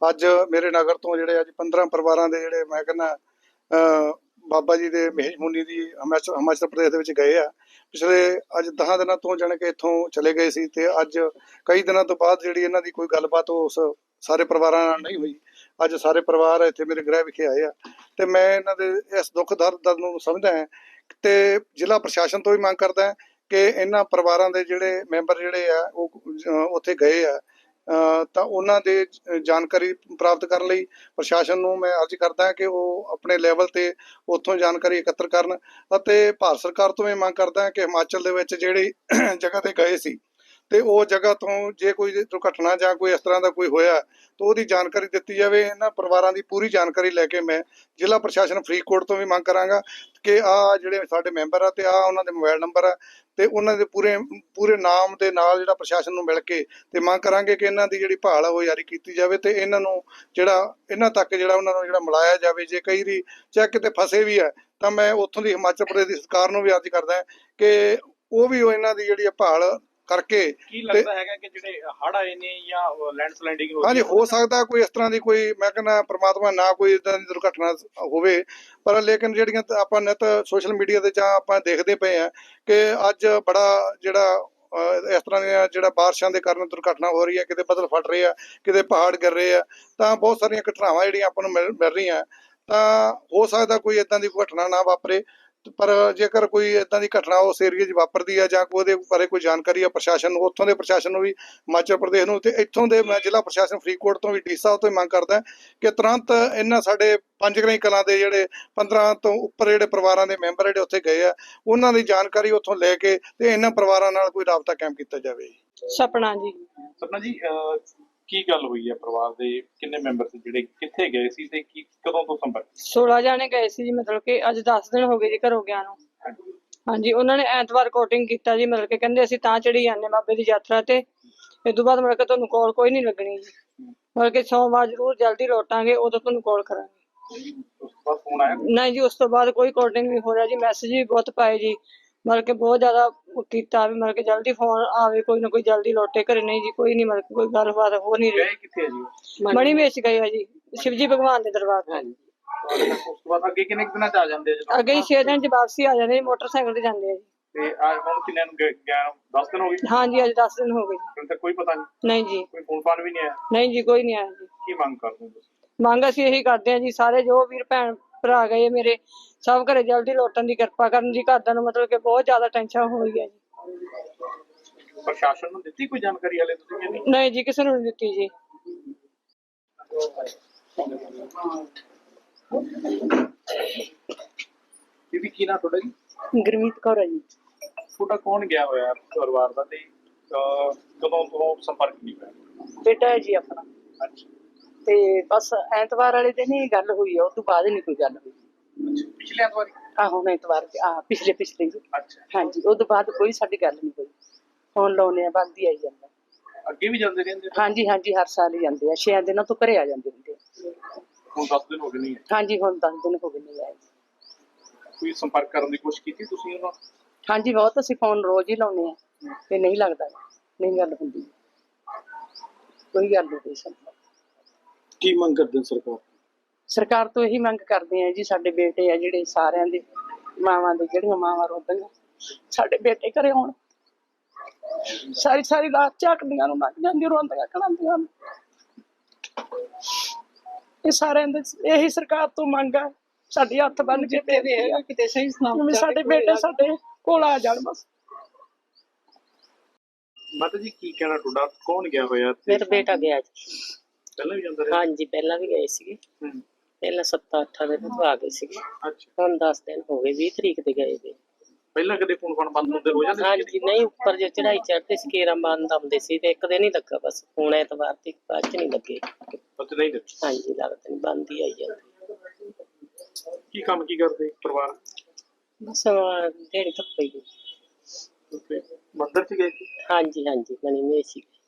ਅੱਜ ਮੇਰੇ ਨਗਰ ਤੋਂ ਜਿਹੜੇ ਅੱਜ 15 ਪਰਿਵਾਰਾਂ ਦੇ ਜਿਹੜੇ ਮੈਂ ਕਹਿੰਦਾ ਬਾਬਾ ਜੀ ਦੇ ਮਹੇਸ਼ ਮੁਨੀ ਦੀ ਹਿਮਾਚਲ ਪ੍ਰਦੇਸ਼ ਦੇ ਵਿੱਚ ਗਏ ਆ। ਪਿਛਲੇ ਅੱਜ 10 ਦਿਨਾਂ ਤੋਂ ਜਾਣੀ ਕਿ ਇੱਥੋਂ ਚਲੇ ਗਏ ਸੀ ਤੇ ਅੱਜ ਕਈ ਦਿਨਾਂ ਤੋਂ ਬਾਅਦ ਜਿਹੜੀ ਇਹਨਾਂ ਦੀ ਕੋਈ ਗੱਲਬਾਤ ਉਸ ਸਾਰੇ ਪਰਿਵਾਰਾਂ ਨਾਲ ਨਹੀਂ ਹੋਈ। ਅੱਜ ਸਾਰੇ ਪਰਿਵਾਰ ਇੱਥੇ ਮੇਰੇ ਗ੍ਰਹਿ ਵਿਖੇ ਆਏ ਆ ਤੇ ਮੈਂ ਇਹਨਾਂ ਦੇ ਇਸ ਦੁੱਖ ਦਰਦ ਨੂੰ ਸਮਝਦਾ ਹਾਂ ਤੇ ਜ਼ਿਲ੍ਹਾ ਪ੍ਰਸ਼ਾਸਨ ਤੋਂ ਵੀ ਮੰਗ ਕਰਦਾ ਹਾਂ ਕਿ ਇਹਨਾਂ ਪਰਿਵਾਰਾਂ ਦੇ ਜਿਹੜੇ ਮੈਂਬਰ ਜਿਹੜੇ ਆ ਉਹ ਉੱਥੇ ਗਏ ਆ ਤਾਂ ਉਹਨਾਂ ਦੇ ਜਾਣਕਾਰੀ ਪ੍ਰਾਪਤ ਕਰਨ ਲਈ ਪ੍ਰਸ਼ਾਸਨ ਨੂੰ ਮੈਂ ਅਰਜ਼ ਕਰਦਾ ਕਿ ਉਹ ਆਪਣੇ ਲੈਵਲ ਤੇ ਉੱਥੋਂ ਜਾਣਕਾਰੀ ਇਕੱਤਰ ਕਰਨ ਅਤੇ ਭਾਰਤ ਸਰਕਾਰ ਤੋਂ ਵੀ ਮੰਗ ਕਰਦਾ ਕਿ ਹਿਮਾਚਲ ਦੇ ਵਿੱਚ ਜਿਹੜੀ ਜਗ੍ਹਾ ਤੇ ਗਏ ਸੀ ਤੇ ਉਹ ਜਗ੍ਹਾ ਤੋਂ ਜੇ ਕੋਈ ਦੁਰਘਟਨਾ ਜਾਂ ਕੋਈ ਇਸ ਤਰ੍ਹਾਂ ਦਾ ਕੋਈ ਹੋਇਆ ਤਾਂ ਉਹਦੀ ਜਾਣਕਾਰੀ ਦਿੱਤੀ ਜਾਵੇ। ਇਹਨਾਂ ਪਰਿਵਾਰਾਂ ਦੀ ਪੂਰੀ ਜਾਣਕਾਰੀ ਲੈ ਕੇ ਮੈਂ ਜ਼ਿਲ੍ਹਾ ਪ੍ਰਸ਼ਾਸਨ ਫਰੀਦਕੋਟ ਤੋਂ ਵੀ ਮੰਗ ਕਰਾਂਗਾ ਕਿ ਆਹ ਜਿਹੜੇ ਸਾਡੇ ਮੈਂਬਰ ਆ ਤੇ ਆਹ ਉਹਨਾਂ ਦੇ ਮੋਬਾਈਲ ਨੰਬਰ ਆ ਤੇ ਉਹਨਾਂ ਦੇ ਪੂਰੇ ਨਾਮ ਦੇ ਨਾਲ ਜਿਹੜਾ ਪ੍ਰਸ਼ਾਸਨ ਨੂੰ ਮਿਲ ਕੇ ਤੇ ਮੰਗ ਕਰਾਂਗੇ ਕਿ ਇਹਨਾਂ ਦੀ ਜਿਹੜੀ ਭਾਲ ਆ ਉਹ ਜਾਰੀ ਕੀਤੀ ਜਾਵੇ ਤੇ ਇਹਨਾਂ ਨੂੰ ਜਿਹੜਾ ਇਹਨਾਂ ਤੱਕ ਜਿਹੜਾ ਉਹਨਾਂ ਨੂੰ ਜਿਹੜਾ ਮਿਲਾਇਆ ਜਾਵੇ। ਜੇ ਕਈ ਵਾਰੀ ਚਾਹੇ ਕਿਤੇ ਫਸੇ ਵੀ ਹੈ ਤਾਂ ਮੈਂ ਉੱਥੋਂ ਦੀ ਹਿਮਾਚਲ ਪ੍ਰਦੇਸ਼ ਦੀ ਸਰਕਾਰ ਨੂੰ ਵੀ ਅਰਜ਼ ਕਰਦਾ ਕਿ ਉਹ ਵੀ ਇਹਨਾਂ ਦੀ ਜਿਹੜੀ ਭਾਲ ਕਰਕੇ। ਕੀ ਲੱਗਦਾ ਹੈਗਾ ਕਿ ਜਿਹੜੇ ਹੜ੍ਹ ਆਏ ਨੇ ਜਾਂ ਲੈਂਡਸਲਾਈਡਿੰਗ ਹੋਈ? ਹਾਂਜੀ, ਹੋ ਸਕਦਾ ਕੋਈ ਇਸ ਤਰ੍ਹਾਂ ਦੀ ਕੋਈ ਮੈਂ ਕਹਿੰਦਾ ਪ੍ਰਮਾਤਮਾ ਨਾ ਕੋਈ ਇਦਾਂ ਦੀ ਦੁਰਘਟਨਾ ਹੋਵੇ, ਪਰ ਲੇਕਿਨ ਜਿਹੜੀਆਂ ਆਪਾਂ ਨਿੱਤ ਸੋਸ਼ਲ ਮੀਡੀਆ ਤੇ ਜਾਂ ਆਪਾਂ ਦੇਖਦੇ ਪਏ ਆ ਕਿ ਅੱਜ ਬੜਾ ਜਿਹੜਾ ਇਸ ਤਰ੍ਹਾਂ ਦੀਆਂ ਜਿਹੜਾ ਬਾਰਿਸ਼ਾਂ ਦੇ ਕਾਰਨ ਦੁਰਘਟਨਾ ਹੋ ਰਹੀ ਹੈ, ਕਿਤੇ ਬੱਦਲ ਫਟ ਰਹੇ ਆ, ਕਿਤੇ ਪਹਾੜ ਗਿਰ ਰਹੇ ਆ, ਤਾਂ ਬਹੁਤ ਸਾਰੀਆਂ ਘਟਨਾਵਾਂ ਜਿਹੜੀਆਂ ਆਪਾਂ ਨੂੰ ਮਿਲ ਰਹੀਆਂ। ਤਾਂ ਹੋ ਸਕਦਾ ਕੋਈ ਇਦਾਂ ਦੀ ਘਟਨਾ ਨਾ ਵਾਪਰੇ, ਪਰ ਜੇਕਰ ਕੋਈ ਇਦਾਂ ਦੀ ਘਟਨਾ ਉਸ ਏਰੀਏ 'ਚ ਵਾਪਰਦੀ ਹੈ ਜਾਂ ਉਹਦੇ ਬਾਰੇ ਕੋਈ ਜਾਣਕਾਰੀ ਆ ਪ੍ਰਸ਼ਾਸਨ ਨੂੰ, ਉੱਥੋਂ ਦੇ ਪ੍ਰਸ਼ਾਸਨ ਨੂੰ ਵੀ ਹਿਮਾਚਲ ਪ੍ਰਦੇਸ਼ ਨੂੰ ਤੇ ਇੱਥੋਂ ਦੇ ਮੈਂ ਜ਼ਿਲ੍ਹਾ ਪ੍ਰਸ਼ਾਸਨ ਫਰੀਦਕੋਟ ਤੋਂ ਵੀ ਡੀ ਸਾਹਿਬ ਤੋਂ ਮੰਗ ਕਰਦਾ ਕਿ ਤੁਰੰਤ ਇਹਨਾਂ ਸਾਡੇ ਪੰਜਗਰਾਈ ਕਲਾਂ ਦੇ ਜਿਹੜੇ 15 ਤੋਂ ਉੱਪਰ ਜਿਹੜੇ ਪਰਿਵਾਰਾਂ ਦੇ ਮੈਂਬਰ ਜਿਹੜੇ ਉੱਥੇ ਗਏ ਆ ਉਹਨਾਂ ਦੀ ਜਾਣਕਾਰੀ ਉੱਥੋਂ ਲੈ ਕੇ ਤੇ ਇਹਨਾਂ ਪਰਿਵਾਰਾਂ ਨਾਲ ਕੋਈ ਰਾਬਤਾ ਕਾਇਮ ਕੀਤਾ ਜਾਵੇ। ਸਪਨਾ ਜੀ ਕੀ ਗੱਲ ਹੋਈ ਹੈ? ਪਰਿਵਾਰ ਦੇ ਕਿੰਨੇ ਮੈਂਬਰ ਸੀ ਜਿਹੜੇ ਕਿੱਥੇ ਗਏ ਸੀ ਤੇ ਕੀ ਕਦੋਂ ਤੋਂ ਸੰਪਰਕ? 16 ਜਾਣੇ ਗਏ ਸੀ ਜੀ, ਮਤਲਬ ਕਿ ਅੱਜ 10 ਦਿਨ ਹੋ ਗਏ ਜੀ ਘਰੋਂ ਗਿਆ ਨੂੰ। ਹਾਂਜੀ, ਉਹਨਾਂ ਨੇ ਐਤਵਾਰ ਕੋਟਿੰਗ ਕੀਤਾ ਜੀ, ਮਤਲਬ ਕਿ ਕਹਿੰਦੇ ਅਸੀਂ ਤਾਂ ਚੜੀ ਜਾਂਦੇ ਬਾਬੇ ਦੀ ਯਾਤਰਾ ਤੇ ਇਸ ਤੋਂ ਬਾਅਦ ਮਤਲਬ ਕਿ ਤੁਹਾਨੂੰ ਕਾਲ ਕੋਈ ਨਹੀਂ ਲੱਗਣੀ ਜੀ, ਮਤਲਬ ਕਿ ਸੋਮਵਾਰ ਜ਼ਰੂਰ ਜਲਦੀ ਲੌਟਾਂਗੇ ਉਦੋਂ ਤੁਹਾਨੂੰ ਕਾਲ ਕਰਾਂਗੇ। ਉਸ ਤੋਂ ਬਾਅਦ ਫੋਨ ਆਇਆ? ਨਹੀਂ ਜੀ, ਉਸ ਤੋਂ ਬਾਅਦ ਕੋਈ ਕੋਟਿੰਗ ਨਹੀਂ ਹੋ ਰਿਹਾ ਜੀ, ਮੈਸੇਜ ਵੀ ਬਹੁਤ ਪਾਏ ਜੀ, ਮਤਲਬ ਕਿ ਬਹੁਤ ਜ਼ਿਆਦਾ ਕੀਤਾ ਵੀ ਮਤਲਬ ਕਿ ਜਲਦੀ ਫੋਨ ਆਵੇ, ਕੋਈ ਨਾ ਕੋਈ ਜਲਦੀ ਲੌਟੇ ਘਰੇ। ਨਹੀਂ ਜੀ, ਕੋਈ ਨਹੀਂ, ਮਤਲਬ ਕਿ ਕੋਈ ਗੱਲਬਾਤ ਹੋ ਨਹੀਂ ਰਹੀ। ਕਿੱਥੇ ਹੈ ਜੀ? ਮਣੀ ਵੇਚ ਗਏ ਆ ਜੀ, ਸ਼ਿਵਜੀ ਭਗਵਾਨ ਦੇ ਦਰਬਾਰ ਤੇ। ਉਸ ਤੋਂ ਬਾਅਦ ਅੱਗੇ ਕਿੰਨੇ ਦਿਨਾਂ ਚ ਆ ਜਾਂਦੇ ਆ? ਅੱਗੇ ਹੀ 6 ਦਿਨ ਚ ਵਾਪਸੀ ਆ ਜਾਂਦੇ ਜੀ, ਮੋਟਰਸਾਈਕਲ ਤੇ ਜਾਂਦੇ ਆ ਜੀ। ਤੇ ਅੱਜ ਹੁਣ ਕਿੰਨੇ ਨੂੰ ਗਿਆ? 10 ਦਿਨ ਹੋ ਗਏ? ਹਾਂਜੀ, ਅੱਜ 10 ਦਿਨ ਹੋ ਗਏ। ਹੁਣ ਤੱਕ ਕੋਈ ਪਤਾ ਨਹੀਂ? ਨਹੀਂ ਜੀ, ਕੋਈ ਫੋਨ ਫਾਨ ਵੀ ਨਹੀਂ ਆਇਆ? ਨਹੀਂ ਜੀ, ਕੋਈ ਨਹੀਂ ਆਇਆ ਜੀ। ਕੀ ਮੰਗ ਕਰਦੇ ਹੋ ਤੁਸੀਂ? ਮੰਗ ਅਸੀਂ ਇਹੀ ਕਰਦੇ ਹਾਂ ਜੀ, ਸਾਰੇ ਜੋ ਵੀਰ ਭੈਣ ਭਰਾ ਗਏ ਮੇਰੇ ਸਭ ਘਰੇ ਜਲਦੀ ਲੌਟਣ ਦੀ ਕਿਰਪਾ ਕਰਨ ਜੀ। ਘਰਦਿਆਂ ਨੂੰ ਮਤਲਬ ਕਿ ਬਹੁਤ ਜ਼ਿਆਦਾ ਟੈਨਸ਼ਨ ਹੋ ਰਹੀ ਹੈ ਜੀ। ਪ੍ਰਸ਼ਾਸਨ ਨੂੰ ਦਿੱਤੀ ਕੋਈ ਜਾਣਕਾਰੀ ਹਲੇ ਤੁਸੀਂ ਕਿ ਨਹੀਂ? ਨਹੀਂ ਜੀ, ਕਿਸੇ ਨੂੰ ਨਹੀਂ ਦਿੱਤੀ ਜੀ। ਬੀਬੀ ਕੀ ਨਾ ਤੁਹਾਡਾ ਜੀ? ਗੁਰਮੀਤ ਕੌਰ ਹੈ ਜੀ। ਤੁਹਾਡਾ ਕੌਣ ਗਿਆ ਹੋਇਆ ਪਰਿਵਾਰ ਦਾ ਤੇ ਕਦੋਂ ਤੋਂ ਸੰਪਰਕ ਨਹੀਂ ਹੋਇਆ? ਬੇਟਾ ਹੈ ਜੀ ਆਪਣਾ। ਅੱਛਾ, ਤੇ ਬਸ ਐਤਵਾਰ ਵਾਲੇ ਦਿਨ ਹੀ ਗੱਲ ਹੋਈ ਆ, ਉਸ ਤੋਂ ਬਾਅਦ ਨਹੀਂ ਕੋਈ ਗੱਲ ਹੋਈ। ਪਿਛਲੇ ਐਤਵਾਰ? ਆਹੋ, ਐਤਵਾਰ ਪਿਛਲੇ ਜੀ। ਅੱਛਾ, ਹਾਂਜੀ, ਉਸ ਤੋਂ ਬਾਅਦ ਕੋਈ ਸਾਡੀ ਗੱਲ ਨਹੀਂ ਹੋਈ। ਫੋਨ ਲਾਉਣੇ ਆ, ਬੰਦ ਹੀ ਆਈ ਜਾਂਦਾ। ਅੱਗੇ ਵੀ ਜਾਂਦੇ ਰਹਿੰਦੇ? ਹਾਂਜੀ ਹਾਂਜੀ, ਹਰ ਸਾਲ ਹੀ ਜਾਂਦੇ ਆ, 6 ਦਿਨਾਂ ਤੋਂ ਘਰੇ ਆ ਜਾਂਦੇ ਹੁੰਦੇ ਆ। ਹੁਣ 10 ਦਿਨ ਹੋ ਗਏ ਨਹੀਂ? ਹਾਂਜੀ, ਹੁਣ 10 ਦਿਨ ਹੋ ਗਏ ਨਹੀਂ ਆਏ। ਕੋਈ ਸੰਪਰਕ ਕਰਨ ਦੀ ਕੋਸ਼ਿਸ਼ ਕੀਤੀ ਤੁਸੀਂ ਉਹਨਾਂ? ਹਾਂਜੀ, ਬਹੁਤ ਅਸੀਂ ਫੋਨ ਰੋਜ਼ ਹੀ ਲਾਉਣੇ ਆ ਤੇ ਨਹੀਂ ਲੱਗਦਾ, ਨਹੀਂ ਗੱਲ ਹੁੰਦੀ, ਕੋਈ ਗੱਲ ਨਹੀਂ ਸਾਨੂੰ। ਕੀ ਮੰਗ ਕਰਦੇ ਸਰਕਾਰ ਤੋਂ ਇਹੀ ਮੰਗ ਕਰਦੇ ਆ ਜੀ, ਸਾਡੇ ਬੇਟੇ ਆ ਜਿਹੜੇ ਸਾਰਿਆਂ ਦੇ ਮਾਵਾਂ ਦੇ ਜਿਹੜੀਆਂ ਮਾਵਾਂ ਰੋਂਦੀਆਂ, ਸਾਡੇ ਬੇਟੇ ਘਰੇ ਆਉਣ। ਸਾਰੀ ਰਾਤ ਝਾਕਦੀਆਂ ਨੂੰ ਲੱਗ ਜਾਂਦੀ, ਰੋਂਦੀਆਂ ਕਹਾਂਦੀਆਂ। ਇਹ ਸਾਰਿਆਂ ਦੇ ਇਹੀ ਸਰਕਾਰ ਤੋਂ ਮੰਗ ਆ, ਸਾਡੇ ਹੱਥ ਬੰਨ ਕੇ ਕਿਤੇ ਸਹੀ ਸਲਾਮਤ ਸਾਡੇ ਬੇਟੇ ਸਾਡੇ ਕੋਲ ਆ ਜਾਣ ਬਸ। ਮਾਤਾ ਜੀ ਕੀ ਕਹਿਣਾ ਤੁਹਾਡਾ? ਕੌਣ ਗਿਆ ਹੋਇਆ? ਮੇਰਾ ਬੇਟਾ ਗਿਆ ਜੀ। ਪਹਿਲਾਂ ਵੀ ਜਾਂਦਾ ਰਿਹਾ? ਹਾਂਜੀ, ਪਹਿਲਾਂ ਵੀ ਗਏ ਸੀਗੇ, ਪਹਿਲਾਂ 7-8 ਦਿਨ ਤੋਂ ਆ ਗਏ ਸੀਗੇ। ਅੱਛਾ, ਹੁਣ 10 ਦਿਨ ਹੋ ਗਏ, 20 ਤਰੀਕ ਦੇ ਗਏ ਵੇ। ਪਹਿਲਾਂ ਕਦੇ ਫੋਨ ਫਾਨ ਬੰਦ ਹੁੰਦੇ ਹੋ ਜਾਂਦੇ? ਹਾਂਜੀ, ਨਹੀਂ, ਉੱਪਰ ਜੇ ਚੜਾਈ ਚੜ੍ਹਦੇ ਸੀ ਕੇਰਾਂ ਬੰਦ ਆਉਂਦੇ ਸੀ ਤੇ ਇੱਕ ਦਿਨ ਹੀ ਲੱਗਾ ਬਸ। ਹੁਣ ਐਤਵਾਰ ਤੇ ਬਾਅਦ ਚ ਨਹੀਂ ਲੱਗੇ। ਉੱਥੇ ਨਹੀਂ ਲੱਗੇ? ਹਾਂਜੀ, ਲੱਗਦਾ ਨਹੀਂ, ਬੰਦ ਹੀ ਆਈ ਜਾਂਦੀ। ਕੀ ਕੰਮ ਕੀ ਕਰਦੇ ਪਰਿਵਾਰ? ਬਸ ਜਿਹੜੀ ਧੱਪੇ ਹੀ। ਮੰਦਰ ਚ ਗਏ ਸੀ? ਹਾਂਜੀ, ਮਣੀ ਮੇਸੀ।